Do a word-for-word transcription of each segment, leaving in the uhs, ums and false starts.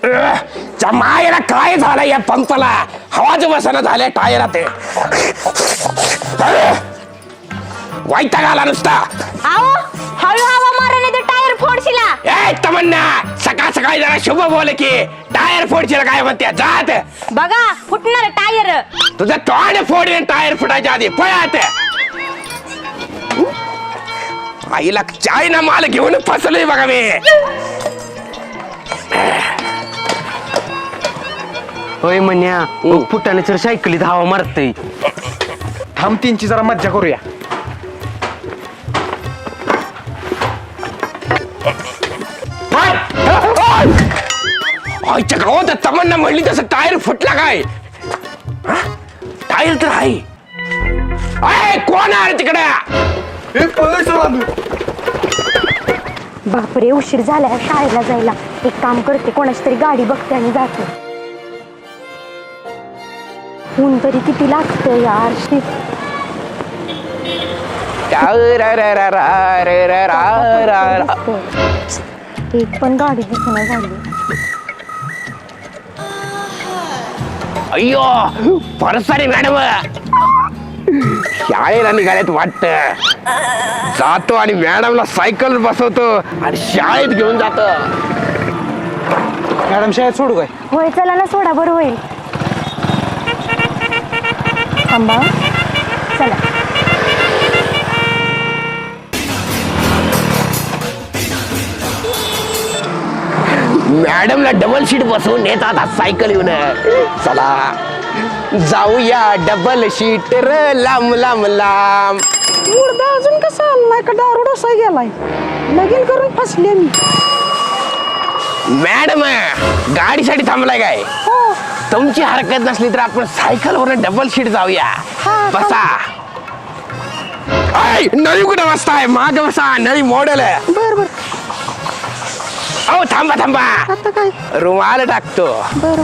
मायला काय झालं या पंपाला? हवाच बसना झाल्या टायरात. वैताग आला नुसता. आओ हळू हवा माराने ते टायर फोडशिला. ए तमन्ना, सकाळ सकाळी जरा शुभ बोल की टायर फोडशील काय म्हणते? जात बघा फुटणार टायर. तुझं तोंड फोडीन टायर फुटायच्या आधी पळत. आईला चायना माल घेऊन फसलोय बघा मी. होय म्हण्या फुटाने तर सायकलीत हवा मारतय. थांब तीनची जरा मज्जा करूया. आईच्या गावात तमन्ना म्हणली तसं टायर फुटला काय? टायर तर आहे. अय कोण आहे तिकडे? बापरे उशीर झालाय शाळेला जायला. एक काम करते, कोणाची तरी गाडी बघते आणि जाते. ऊन तरी किती लागतं यार. एक पण गाडी दिसना झाली. अय्यो परसारी मॅडम शाळेला निघाल्यात वाटत. जातो आणि मॅडमला सायकल बसवतो आणि शाळेत घेऊन जातो. मॅडम शाळेत सोडू काय? होय चला ना, सोडा बरं होईल. थांबा चला. मॅडमला डबल सीट बसवून नेतात आज सायकल येऊन. चला जाऊया डबल सीट र लांब लांब लांब. मुर्दा अजून कसा आलाय का दारू डोसा गेलाय? लगीन करून फसले मी. मॅडम गाडीसाठी थांबलाय काय? हो तुमची हरकत नसली तर आपण सायकलवर डबल सीट जाऊया. बसा. ऐ नळी कुठे बसताय? माग बसा, नळी मॉडेल आहे. बर बर. अहो थांबा थांबा, आता काय? रुमाल टाकतो. बर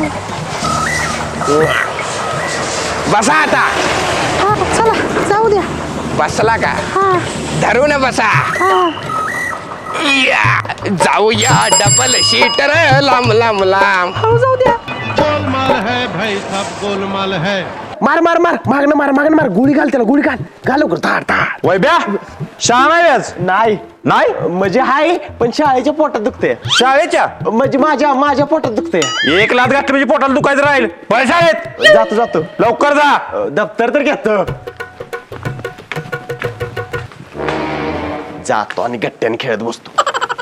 बसा आता. हा चला जाऊ द्या. बसला का? हा धरून बसा. हा या जाऊया डबल सीट रे लांब लांब लांब. हळू जाऊ द्या. गोलमाल है भाई सब गोलमाल है. मार मार मार मागणं मार मागणं मार. गोळी घाल त्याला, गोळी घाल घाल लवकर. धाड धाड. वैब्या शाळा नाही आज? नाही नाही म्हणजे हाय, पण शाळेच्या पोटात दुखते. शाळेच्या म्हणजे माझ्या माझ्या पोटात दुखते. एक लाच घातली म्हणजे पोटाला दुखायचं राहील. पळ शाळेत. जातो जातो. लवकर जा. अ, दप्तर तर घेतो. जातो आणि गट्ट्याने खेळत बसतो.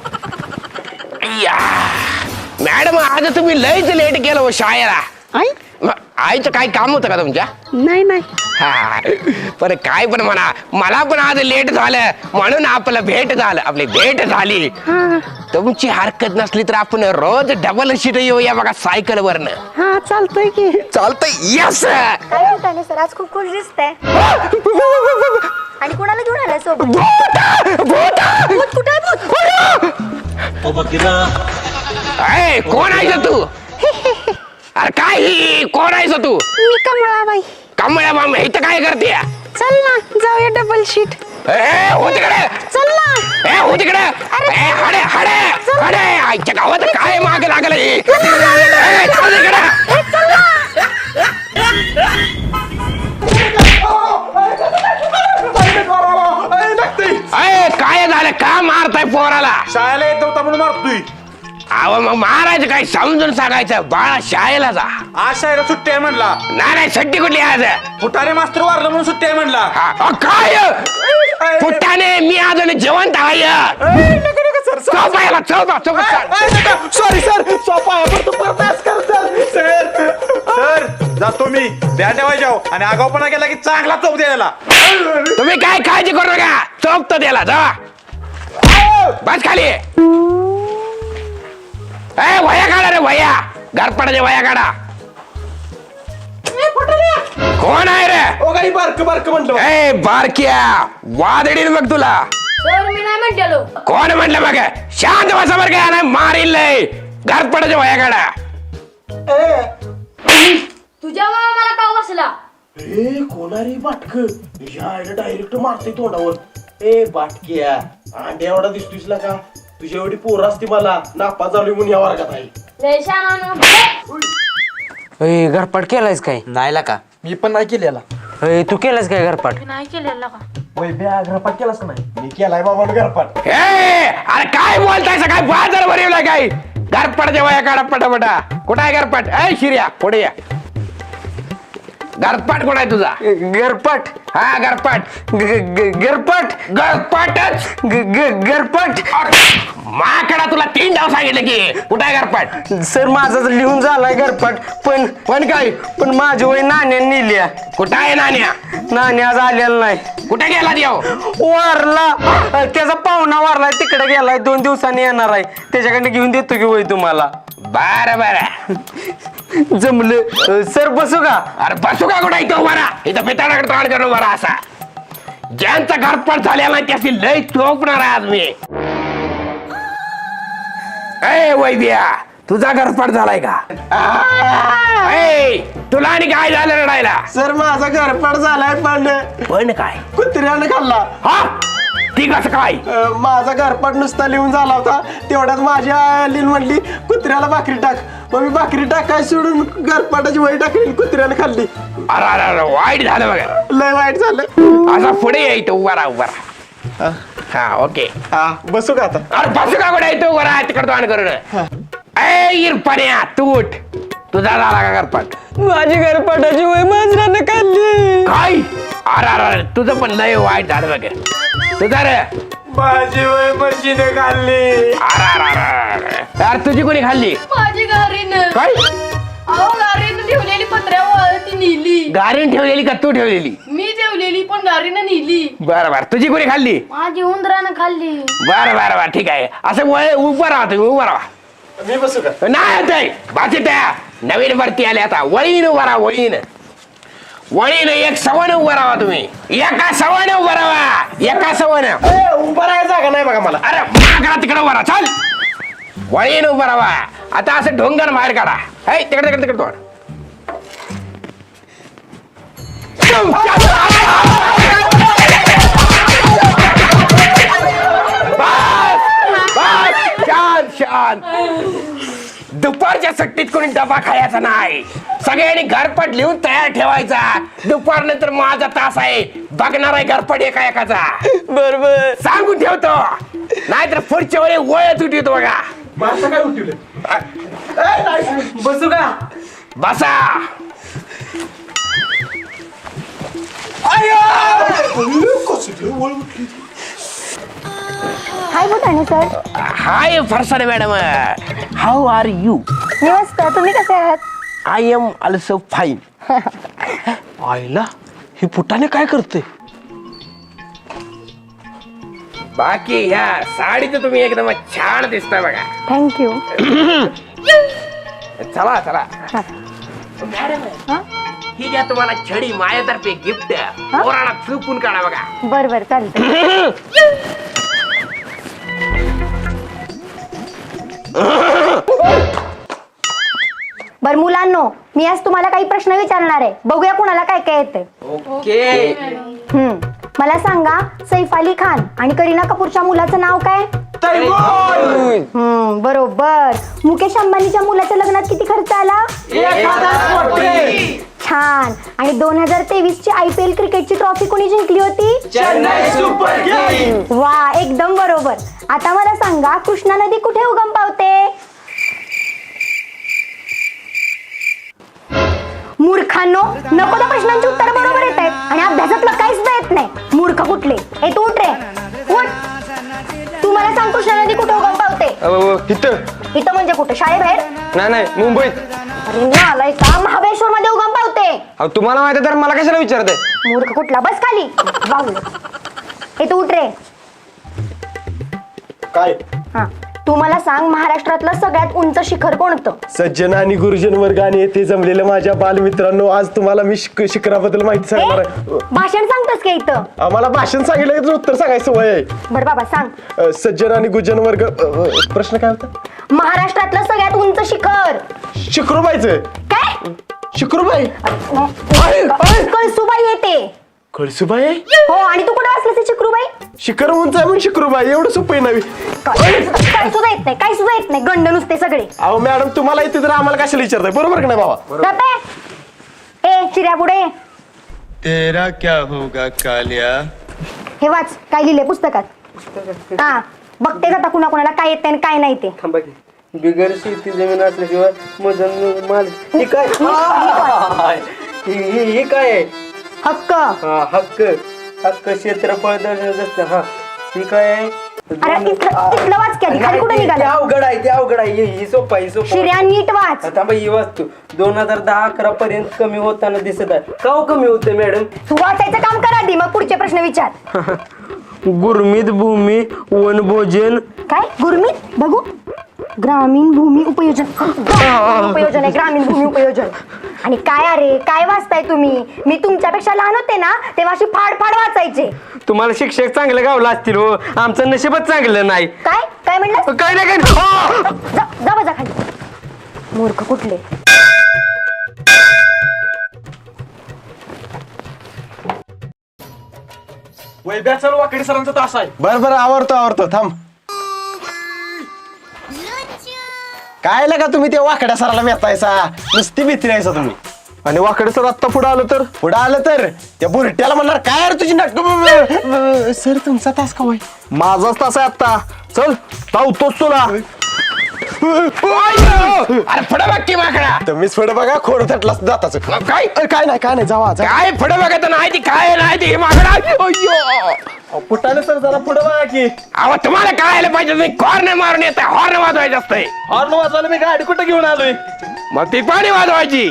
या मॅडम आज तुम्ही लयच लेट केलं हो शाळेला. आई म- आईचं काय काम होतं का तुमच्या? नाही नाही. हा पण काय पण म्हणा, मला पण आज लेट झालं म्हणून आपलं भेट झालं. आपली भेट झाली. हा तुमची हरकत नसली तर आपण रोज डबल सीट येऊया बघा सायकल वरनं. हा चालतंय की. चालतंय. यस. काय म्हणताय सर, आज खूप खुश दिसतंय. आणि कुणाला घेऊन आलाय सोबत? भूत कुठे आहे? भूत अय कोण आहेस तू? अरे काय ही? कोण आहेस तू? मी कमळाबाई. कमळ्या माम इथं काय करते? चल ना जाऊया डबल शीट. ए हो तिकडे. चल ना. ए हो तिकडे. ए हडे हडे हडे आईच्या गावात काय माग लागलं हे? ए, चल तिकडे. अय काय झालं? का मारताय पोराला? शाळेला येत नव्हता म्हणून मारतोय. अहो मग मारायचं काय समजून सांगायचं. बाळा शाळेला जा. आज शाळेला सुट्टी आहे म्हणला. नाही नाही सुट्टी कुठली आज? फुटारे मास्तर वारलं म्हणून सुट्टी आहे म्हणला. हा, अ, काय पुट्टाने मी अजून जेवण आहे. चौपायला चौपा चौपा. Sorry sir. सोपा सर जातो मी. द्या ठेवायच्या आणि आगाऊपणा केला की चांगला चौक द्यायला. तुम्ही काय काळजी करू नका. चौक तर द्याला जा. बस खाली. ए वया काढा रे वया. घरपडाचे वया काढा. कोण आहे रे? ओ काही बारक बारक म्हणलं. ए बारक्या वादडील मग तुला. मी नाही म्हणलेलो. कोण म्हटलं मग? शांत बसा बरं काय नाही मारील लय. घरपडाचे वया काढा. तुझ्या मामा मला का बसला? ए कोणारी बाटक डायरेक्ट मारते तोंडावर. ए बाटक्या अंड्या एवढा दिसतोयस का? तुझ्या एवढी पोर असते मला नापा चालू म्हणून या वर्गात आहे. अय घरपाट केलायस काय नाहीला का मी पण नाही केलेला अय तू केलास काय घरपाट नाही केलेला का वय बॅ घरपाट केलास का नाही मी केलाय बाबा घरपाट ए अरे काय बोलताय काय बाजार भरवलाय काय गारपट जेव्हा या काढा पटापटा कुठं आहे गारपट ए शिर्या पुढे या गारपाट कुठं आहे तुझा घरपाट हा गारपाट घरपाट गारपाटच घरपाट माकडा तुला तीन डाव सांगितलं की कुठं आहे गारपाट सर माझा लिहून झालाय घरपाट पण पण काय पण माझी वय नाण्या नेल्या कुठं आहे नाण्या नाण्या आज आलेला नाही कुठे गेला देव वारला त्याचा पाहुणा वारलाय तिकडे गेलाय दोन दिवसांनी येणार आहे त्याच्याकडे घेऊन देतो की वय तुम्हाला बर बर जमलं सर बसू का अरे बसू का कुठं इथं बरा इथं पिताडाकडे तोंड करून बरा असा ज्यांचा घरपाट झालेला नाही त्याची लय चोपणार आहे आज मी ए वैद्या तुझा घरपाट झालाय का ए तुला आणि काय झालं रडायला सर माझा घरपाट झालाय पण पण काय कुत्र्यानं खाल्ला हा ती कसं काय अं, माझा घरपाट नुसता लिहून झाला होता तेवढ्यात माझी आई लिहून म्हणली कुत्र्याला भाकरी टाक मग मी भाकरी टाकाय सोडून घरपाटाची वही टाकली कुत्र्याने खाल्ली अरे अरे अरे वाईट झालं बघा लय वाईट झालं असा पुढे यायचं उभा राहा उभा राहा हा ओके हा बसू का आता अरे बसू का कुठे येतो उभा राहा तिकडे तोंड करून ए इरपण्या तू उठ तुझा झाला का घरपाट माझी घरपाटाची वय मांजरानं खाल्ली काय अरे अरे अरे तुझं पण लय वाईट झालं बघ तुझा रे माझी वय मशीने खाल्ली अरे अरे अरे अरे अरे तुझी कोणी खाल्ली माझी गारीनं काय अहो गारीनं ठेवलेली पत्र्यावर ती नेली गारीन ठेवलेली का तू ठेवलेली मी ठेवलेली पण गारीनं नेली बरं बरं तुझी कोणी खाल्ली माझी उंदरानं खाल्ली बरं बरं बरं ठीक आहे असं वय उभं राहा तुम्ही उभं राहा मी बसू का नाही ते बाकी त्या नवीन भरती आली आता वळीन उभा राहा वळीन वळीन एक सवण उभं राहा तुम्ही एका सवण उभं राहा एका सवण ए, उभा राहायला जागा नाही बघा मला अरे मागरा तिकडे उभा राहा चल वळीन उभं राहा आता असं ढोंगर बाहेर काढा हे तिकडे तिकडे तिकडे तोड बस बस शांत शांत दुपारच्या सुट्टीत कोणी डबा खायचा नाही सगळ्यांनी घरपट लिहून तयार ठेवायचा दुपार नंतर माझा तास आहे बघणार आहे घरपट एका एकाचा बरोबर सांगून ठेवतो नाहीतर पुढच्या वेळी वळत उठवतो बघा माणसं काय उठवलं बसू का बसा hi Bhutane sir hi Pharsane madam how are you मी मस्त तुम्ही कसे आहात आय एम ऑल्सो फाईन आईला ही पुटाने काय करते बाकी ह्या साडीचं तुम्ही एकदम छान दिसता बघा थँक्यू चला चला मॅडम ही घ्या तुम्हाला छडी माझ्यातर्फे गिफ्ट पोराला चुपून काढा बघा बर बर चालतंय बर मुलांनो मी आज तुम्हाला काही प्रश्न विचारणार आहे बघूया कुणाला काय काय येते ओके हम्म मला सांगा सैफ अली खान आणि करीना कपूरच्या मुलाचं नाव काय हम्म बरोबर मुकेश अंबानीच्या मुलाच्या लग्नात किती खर्च आला छान आणि दोन हजार तेवीस ची आय पी एल क्रिकेटची ट्रॉफी कोणी जिंकली होती चेन्नई सुपर किंग्स वा एकदम बरोबर आता मला सांगा कृष्णा नदी कुठे उगम पावते मूर्खांनो नको त्या प्रश्नांची उत्तर बरोबर येत आहेत आणि अभ्यासातलं काहीच येत नाही मूर्ख कुठले ए तू उठ रे उठ तू मला सांग कृष्णा नदी कुठे उगम पावते इथं इथं म्हणजे कुठे शाळेबाहेर नाही नाही मुंबईत अरे नालाय का महाबळेश्वर मध्ये उगम पावते अहो तुम्हाला माहिती तर मला कशाला विचारताय मूर्ख कुठला बस खाली बाहुल ए तू उठ रे काय हा तू मला सांग महाराष्ट्रातलं सगळ्यात उंच शिखर कोणतं सज्जन आणि गुरुजन वर्ग आणि येथे जमलेल्या माझ्या बालमित्रांनो आज तुम्हाला मी शिक- शिखराबद्दल माहिती सांगणार आहे ए, भाषण सांगतोस का इथं आम्हाला भाषण सांगितलं की तुझं उत्तर सांगायचं वय आहे बर बाबा सांग अ, सज्जन आणि गुरुजन वर्ग अ, अ, प्रश्न काय होता महाराष्ट्रातलं सगळ्यात उंच शिखर शिखरूबाईचं काय शिखरूबाई कळसुबाई येते कळसूबाई हो आणि तू कुठे वाचलास चिकरूबाई? शिखर उंच आहे म्हणून शिकरूबाई एवढं सोपं आहे नवी. काय काय सुद्धा येत नाही, काय सुद्धा येत नाही, गंड नुसते सगळे. अहो मॅडम तुम्हाला इथे तर आम्हाला कशाला विचारताय, बरोबर का नाही बाबा? गप्पे. ए चिऱ्या पुढे ये. तेरा क्या होगा कालिया. हे वाच काय लिहिलंय पुस्तकात. हा बघते आता कुणा कुणाला काय येत आणि काय नाही ते. थांबा की बिगर शेती जमीन असल्याशिवाय मजन माल ही काय ही ही- ही काय आहे? हक्क. हा हक्क हक्क क्षेत्रफळ दर्शवत असतं. हा ही काय आहे? अरे इथलं इथलं वाच की आधी, खाली कुठे ते निघाला? अवघड आहे ते अवघड आहे ही- ही सोपं आहे ही सोपं आहे. शिर्या नीट वाच. थांबा ही वाचतो दोन हजार दहा अकरा पर्यंत कमी होताना दिसत आहे. का हो कमी होते मॅडम? तू वाचायचं काम कर आधी, मग पुढचे प्रश्न विचार. गुरमीत भूमी वनभोजन काय गुरमीत बघू. ग्रामीण भूमी उपयोजन. ग्रामीण उपयोजन आहे, ग्रामीण भूमी उपयोजन. आणि काय अरे काय वाचताय तुम्ही? मी तुमच्यापेक्षा लहान होते ना तेव्हा अशी फाड फाड वाचायचे. तुम्हाला शिक्षक चांगले गावला असतील हो आमचं नशीबच चांगलं नाही. काय काय म्हणलं? काय नाही काय नाही. जा जा बजा खाली. मूर्ख कुठले. वैभ्या चल वाकडी सरांचा तास आहे. बरं बरं आवडतो आवडतो थांब. काय लगा तुम्ही ते वाकड्या सराला मेहतायसा, नुसती भीती नाहीसा तुम्ही. आणि वाकडे सर आत्ता पुढे आलं तर पुढं आलं तर त्या बुरट्याला म्हणणार काय रे तुझी नाटक. सर तुमचा तास का होय? माझाच तास आहे आत्ता. चल लावतोच तुला. अरे पुढे बघ की माकडा. तुम्हीच पुढे बघा खोड थटला जाताच. काय काय नाही काय नाही जावा जा. काय पुढे बघत नाही ती काय नाही ती माकडा. अय्यो फुटाने सर जरा पुढे बघा की. अहो तुम्हाला कळायला पाहिजे तुम्ही कॉर्न मारून येत हॉर्न वाजवायचं असतंय. हॉर्न वाजवायला मी गाडी कुठे घेऊन आलोय? मग ती पाणी वाजवायची.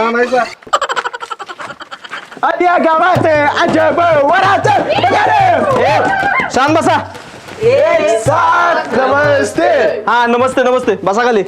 आद्या गावात अजब वरात शांत बसा. एक साथ नमस्ते. हा नमस्ते नमस्ते बसा खाली.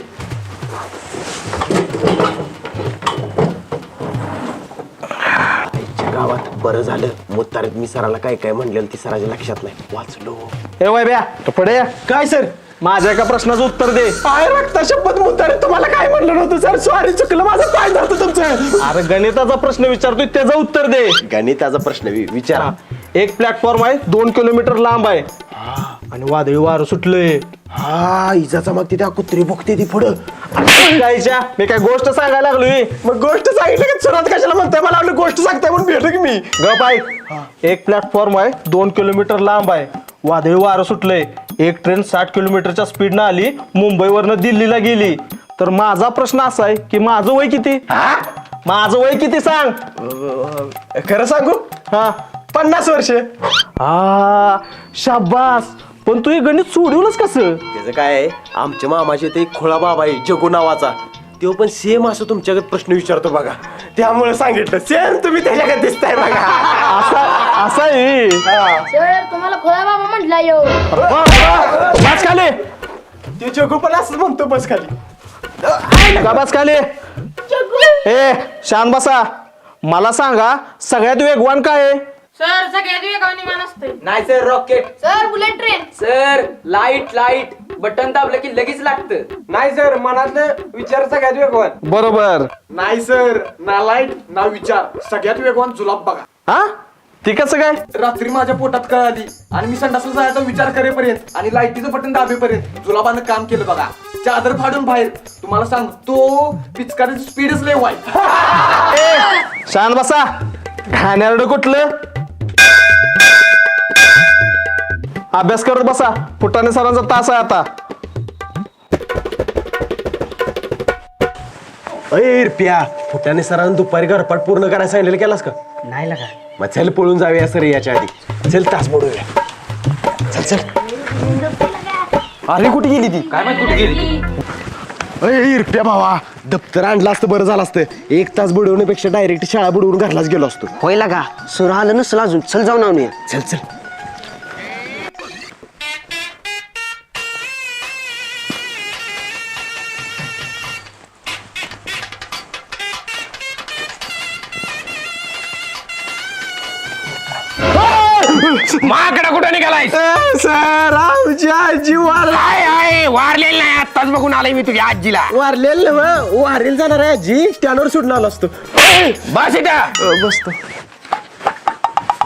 गावात बरं झालं मुत्तारीत मी सराला काय काय म्हणलेलं ती सराच्या लक्षात नाही वाचलो. हे वय ब्या तू पुढे या. काय सर? माझ्या एका प्रश्नाचं उत्तर दे. पाय रक्ता शपथ मुत्तारीत तुम्हाला काय म्हणलं नव्हतं सर, सॉरी चुकलं माझं पाय झालं तुमचं. अरे गणिताचा प्रश्न विचारतोय त्याचं उत्तर दे. गणिताचा प्रश्न वि- विचारा. एक प्लॅटफॉर्म आहे दोन किलोमीटर लांब आहे आणि वादळी वारं सुटलंय. हा इजाचा मग ती त्या कुत्री भुकते ती पुढं. कायच्या मी काय गोष्ट सांगायला लागलोय. मग गोष्ट सांगितलं की सुरुवात कशाला म्हणताय? मला आपली गोष्ट सांगताय म्हणून भेटलो की मी. गप आहे. एक प्लॅटफॉर्म आहे दोन किलोमीटर लांब आहे वादळी वारं सुटलंय. एक ट्रेन साठ किलोमीटरच्या स्पीडनं आली मुंबईवरनं दिल्लीला गेली. तर माझा प्रश्न असा आहे की माझं वय किती? माझं वय किती सांग. खरं सांगू हा पन्नास वर्ष. हा शाबास. पण तू हे गणित सोडवलंच कसं? त्याचं काय आहे आमच्या मामाचे ते खोळा बाबा आहे जगू नावाचा तो पण सेम असं तुमच्याकडे प्रश्न विचारतो बघा त्यामुळे सांगितलं सेम तुम्ही त्याच्याकडे दिसताय बघा. असा असा आहे. सर तुम्हाला खोळा बाबा म्हटला यो. बस खाली. ते जगू पण असंच म्हणतो बस खाली. का बस खाली. ए शान बसा. मला सांगा सगळ्यात वेगवान काय आहे? सर सगळ्यात वेगाने विमान असते. नाही sir rocket. Sir bullet train. Sir light light button दाबलं की लगेच लागतं. नाही सर मनातलं विचार सगळ्यात वेगवान. बरोबर. नाही सर ना लाईट ना विचार सगळ्यात वेगवान जुलाब बघा. हा ती कसं काय? रात्री माझ्या पोटात कळाली आणि मी संडासला जायचा विचार करेपर्यंत आणि लाईटीचं बटन दाबेपर्यंत जुलाबानं काम केलं बघा. चादर फाडून बाहेर तुम्हाला सांगतो पिचकारीची स्पीडच लय वाईट. शान बसा. घाणेरडं कुठलं? अभ्यास करत बसा. फुटाणे सरांचा तास आहे आता. अय रुपया फुटाने सरांनी दुपारी घरपाट पूर्ण करायला सांगितलेलं केलास का? नाही लागा. मग चल पळून जाऊया सर याच्या आधी. चल तास मोडूया. चल चल. अरे कुठे गेली ती? काय माहित कुठे गेली. अय रुपया भावा दप्तर आणलं असतं बरं झालं असतं. एक तास बुडवण्यापेक्षा डायरेक्ट शाळा बुडवून घरलाच गेलो असतो. होय लागा सुर आलं नसलं अजून. चल जाऊन आणूया. चल चल. माकडा कुठं निघालाय? सर आमची आजी वार काय आहे वारलेलं नाही आत्ताच बघून आलोय मी तुझ्या आजीला. वारलेल वारेल जाणार आहे आजी स्टँडवर सुटून आलो असतो. बस इथं. बसतो.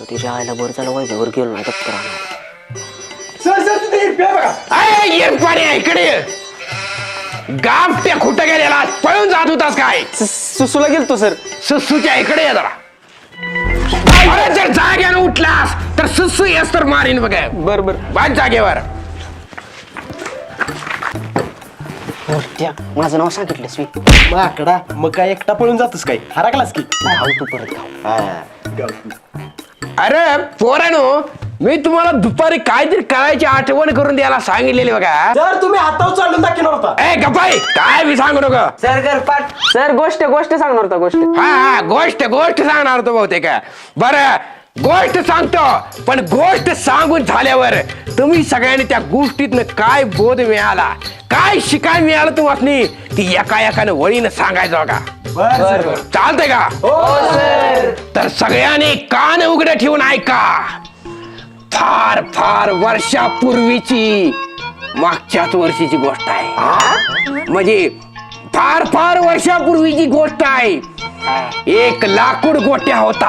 तिच्या आईला बरं झालं वैभववर गेलो नाही तर सर सर तिथे हिरप्या बघा. अय येरपाणी आहे, इकडे ये. गाव त्या खोटं गेलेला पळून जात होतास काय? सुसूला गेलतो सर. सुसूच्या इकडे ये जरा. अरे जर जाग्यानं उठलास तर सुसू येस तर मारीन बघ. बर बर. बाज जागेवर. त्या माझं नाव सांगितलंस मी माकडा मग काय एकटा पळून जातोस काय हरकलास की धाव तू परत धाव. अरे पोरानो, मी तुम्हाला दुपारी काहीतरी करायची आठवण करून द्यायला सांगितलेली बघा. सर तुम्ही हातावर चालून दाखवणार होता. ए गप्पाई, काय बी सांगू नको. सर गरपाट सर गोष्ट गोष्ट सांगणार होता गोष्ट. हा हा गोष्ट गोष्ट सांगणार होतो बहुतेक. बरं गोष्ट सांगतो, पण गोष्ट सांगून झाल्यावर तुम्ही सगळ्यांनी त्या गोष्टीतनं काय बोध मिळाला, काय शिकाय मिळालं तुम्हाला ती एका एकानं वळीनं सांगायचं बघा. चालतंय का? तर सगळ्यांनी कान उघडे ठेवून ऐका. फार फार वर्षापूर्वीची मागच्याच वर्षीची गोष्ट आहे. म्हणजे फार फार वर्षापूर्वीची गोष्ट आहे. एक लाकूड गोट्या होता.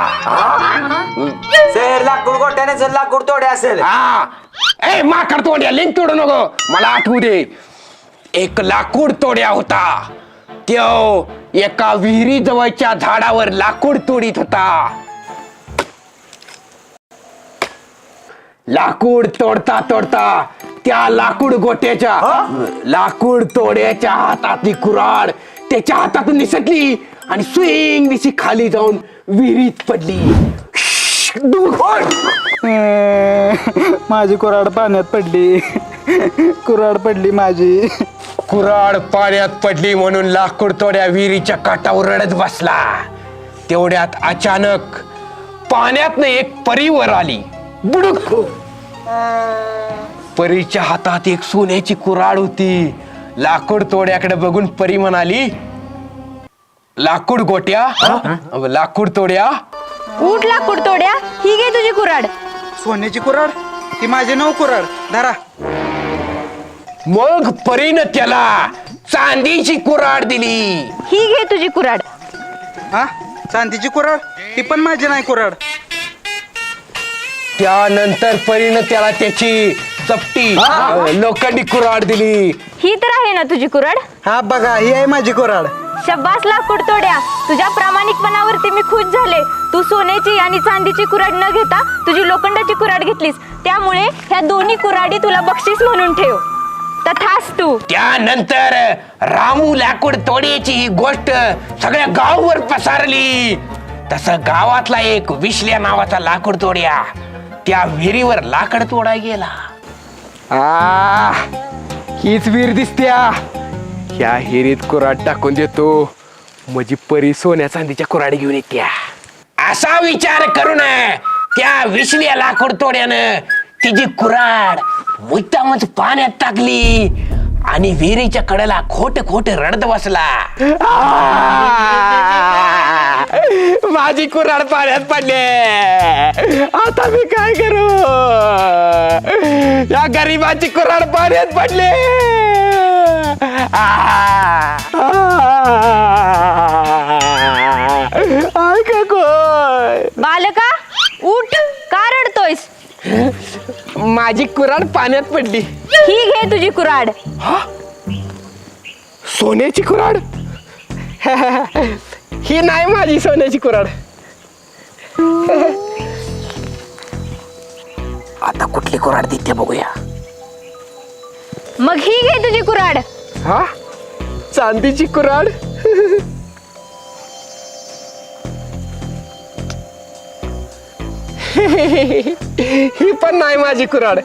सर लाकूड गोट्याने जर लाकूड तोडे असेल. हा ए माकड तोड्या लिंक तोडू नको, मला आठवू दे. एक लाकूड तोड्या होता. त्यो एका विहिरी जवळच्या झाडावर लाकूड तोडीत होता. लाकूड तोडता तोडता त्या लाकूड गोट्याच्या लाकूड तोड्याच्या हातातली कुऱ्हाड त्याच्या हातातून निसटली आणि स्विंग दिशी खाली जाऊन विहिरीत पडली. माझी कुऱ्हाड पाण्यात पडली. कुऱ्हाड पडली माझी. कुऱ्हाड पाण्यात पडली म्हणून लाकूड तोड्या विहिरीच्या काठावर रडत बसला. तेवढ्यात अचानक पाण्यातनं एक परी वर आली. बुडुक. परीच्या हातात एक सोन्याची कुऱ्हाड होती. लाकूड तोड्याकडे बघून परी म्हणाली, लाकूड गोट्या लाकूड तोड्या. उठ लाकूड तोड्या, ही घे तुझी कुऱ्हाड. सोन्याची कुऱ्हाड ती माझी नऊ कुऱ्हाड धरा. मग परीनं त्याला चांदीची कुऱ्हाड दिली. ही घे तुझी कुऱ्हाड. हा चांदीची कुऱ्हाड ती पण माझी नाही कुऱ्हाड. त्यानंतर परीनं त्याला त्याची चपटी लोखंडी कुऱ्हाड दिली. ही तर आहे ना तुझी कुऱ्हाड. हा बघा ही आहे माझी कुऱ्हाड. शब्बास लाकूड तोड्या, तुझ्या प्रामाणिकपणावरती मी खुश झाले. तू सोन्याची आणि चांदीची कुऱ्हाड न घेता तुझी लोखंडाची कुऱ्हाड घेतलीस, त्यामुळे ह्या दोन्ही कुऱ्हाडी तुला बक्षीस म्हणून ठेव. तथास्तु. त्यानंतर रामू लाकूड तोड्याची ही गोष्ट सगळ्या गाववर पसरली. तसं गावातला एक विश्ल्या नावाचा लाकूड तोड्या त्या विहिरीवर लाकड तोडा गेला. आ हीच विहीर दिसत्या. ह्या हिरीत कुऱ्हाड टाकून देतो म्हणजे परी सोन्या चांदीच्या कुऱ्हाडी घेऊन येत्या. असा विचार करून त्या विश्ल्या लाकूड तोड्यानं तिची कुऱ्हाड मुद्दामच पाण्यात टाकली आणि विहिरीच्या कडेला खोट खोट रडत बसला. माझी कुऱ्हाड पाण्यात पडले, आता मी काय करू? या गरीबाची कुऱ्हाड पाण्यात पडले. ऐका कोण? बालका उठ, का रडतोयस? माझी कुऱ्हाड पाण्यात पडली. ही घे तुझी कुऱ्हाड. सोन्याची कुऱ्हाड? ही नाही माझी सोन्याची कुऱ्हाड. आता कुठली कुऱ्हाड देते बघूया. मग ही घे तुझी कुऱ्हाड. हा चांदीची कुऱ्हाड. ही पण नाही माझी कुऱ्हाड.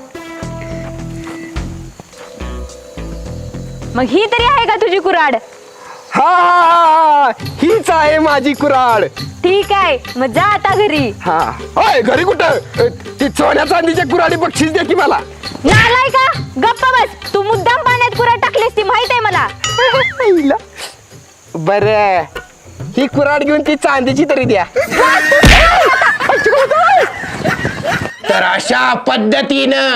मग ही तरी आहे का तुझी कुऱ्हाड? हा हीच आहे माझी कुऱ्हाड. ठीक आहे, मग जा आता घरी. हा होय घरी कुठं? ती सोन्या चांदीच्या कुऱ्हाडी बक्षीस दे की मला. नालाय का? गप्पा बस. तू मुद्दाम पाण्यात कुऱ्हाड टाकलीस ती माहित आहे मला. बर ही कुऱ्हाड घेऊन ती चांदीची तरी द्या. तर अशा पद्धतीनं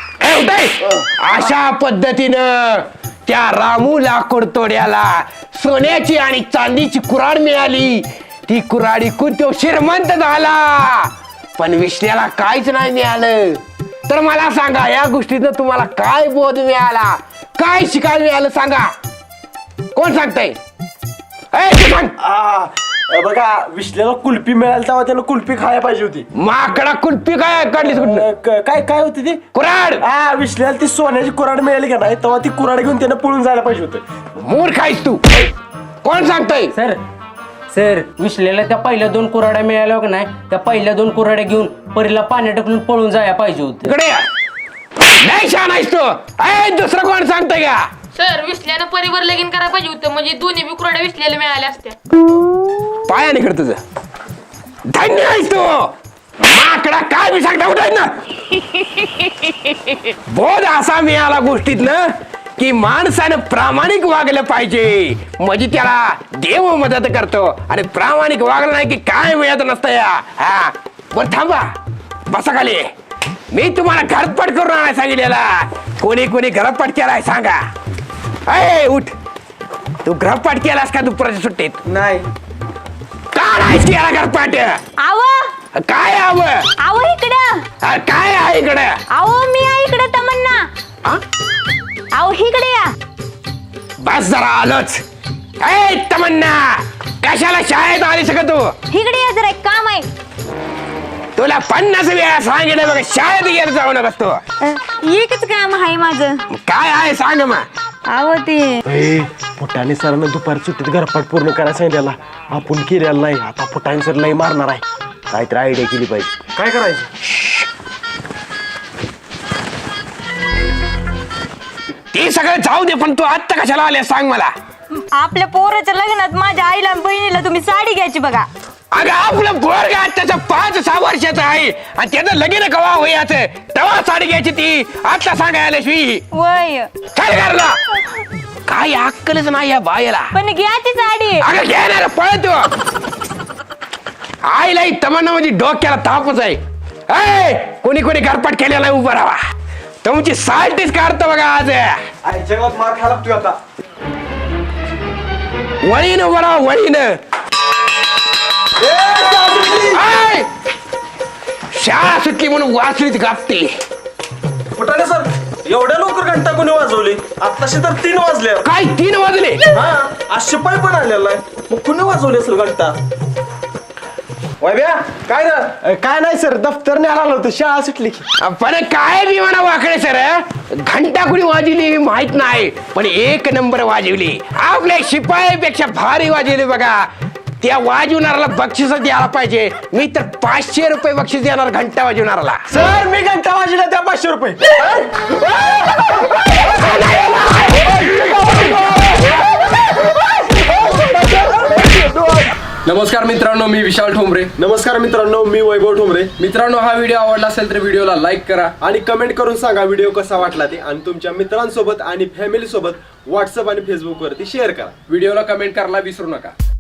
अशा पद्धतीनं त्या रामू लाकूड तोड्याला सोन्याची आणि चांदीची कुऱ्हाड मिळाली. ती कुऱ्हाड विकून तो श्रीमंत झाला. पण विश्ल्याला काहीच नाही मिळालं. तर मला सांगा या गोष्टीतनं तुम्हाला काय बोध मिळाला, काय शिकायला मिळालं सांगा. कोण सांगताय? ए, तू सांग. आ, बघा विश्लेला कुल्फी मिळाली तेव्हा त्यानं कुल्फी खायला पाहिजे होती. माकडा कुल्फी काय काढलीस कुठं? अ, क- काय काय होती ती कुऱ्हाड. हा विश्लेला ती सोन्याची कुऱ्हाड मिळाली का नाही तेव्हा ती कुऱ्हाड घेऊन त्यानं पळून जायला पाहिजे होतं. मूर्ख आहेस तू. कोण सांगताय? सर सर विसलेल्या त्या पहिल्या दोन कुऱ्हाड्या मिळाल्या का नाही, त्या पहिल्या दोन कुऱ्हाड्या घेऊन परीला पाण्यात टाकून पळून जायला पाहिजे होते. इकडे या. नाही छान आहेस तू. ए, दुसरं कोण सांगताय का? सर विसल्यानं परिवार लगीन करायला पाहिजे होतं, म्हणजे दोन्ही बी कुऱ्हाड्या विसल्याला मिळाल्या असत्या. पायाने कर तुझं. धन्य आहेस तू. माकडा काय मी सांगता उठाय ना. बोध असा मिळाला गोष्टीतनं की माणसानं प्रामाणिक वागलं पाहिजे, म्हणजे त्याला देव मदत करतो. आणि प्रामाणिक वागलं नाही की काय मिळत नसतं या. हा बर थांबा, बसा खाली. मी तुम्हाला घरपट करून आणायला सांगितलेला. कोणी कोणी घरपट केलाय सांगा. अय उठ. तू घरपट केलास का दुपारच्या सुट्टीत? नाही का नाही केला घरपट? आव काय हवं? आव इकडं. अरे काय आहे इकडे? आव मी आहे इकडे तमन्ना. हा? आव इकडे या. बस जरा आलोच. ए तमन्ना, कशाला शाळेत आली सगळं तू? इकडे या जरा, एक काम आहे. तुला पन्नास वेळा सांगितलं बघ शाळेत गेलं जाऊ नकस तू. एकच काम आहे माझं. काय आहे सांग मग. आव ते फुटाने सरांना दुपारी सुट्टीत घरपाट पूर्ण करायला सांगितलेला. आपण केलेला नाही. आता फुटाने सर लई मारणार आहे. काहीतरी आयडिया केली पाहिजे. काय करायचं? ते सगळं जाऊ दे, पण तू आत्ता कशाला आले सांग मला. आपल्या पोराच्या लग्नात माझ्या आईला आणि बहिणीला तुम्ही साडी घ्यायची बघा. अगं आपलं पोरग त्याचं पाच सहा वर्षाचं आहे आणि त्याचं लगीन कवा होयाचं तेव्हा साडी घ्यायची ती आता सांगायला शिवी. वय काय करला? काय अक्कलच नाही या बायला. पण घ्यायची साडी. अगं घेणार पळतो. आईला तमन्ना म्हणजे डोक्याला तापच आहे. ऐ, कोणी कोणी घरपाट केलेला उभं राहा. तुमची साल्टीच काढतो बघा आज. आईच्या गावात मार खायला लागतोय आता. वळीनं उभं राहा वळीनं. ऐ, शाळा सुटली म्हणून वाचलीत गापते. फुटाने सर एवढ्या लवकर घंटा कोणी वाजवली? आताशी तर तीन वाजले. काय तीन वाजले? हा आज शिपाई पण आलेला आहे. मग कुणी वाजवली असेल घंटा? वैभ्या काय ना? काय नाही सर, दफ्तरने आला होतं. शाळा सुटली की. पण काय बी म्हणा वाकडे सर, घंटा कुणी वाजवली माहित नाही, पण एक नंबर वाजवली. आपल्या शिपाईपेक्षा भारी वाजवली बघा. त्या वाजवणाऱ्याला बक्षीस द्यायला पाहिजे. मी तर पाचशे रुपये बक्षीस देणार घंटा वाजवणाऱ्याला. सर मी घंटा वाजवला त्या पाचशे रुपये. नमस्कार मित्रांनो, मी विशाल ठोंबरे. नमस्कार मित्रांनो, मी वैभव ठोंबरे. मित्रांनो, हा व्हिडिओ आवडला असेल तर व्हिडिओला लाईक करा आणि कमेंट करून सांगा व्हिडिओ कसा वाटला ते. आणि तुमच्या मित्रांसोबत आणि फॅमिली सोबत व्हॉट्सअप आणि फेसबुक वरती शेअर करा. व्हिडिओला कमेंट करायला विसरू नका.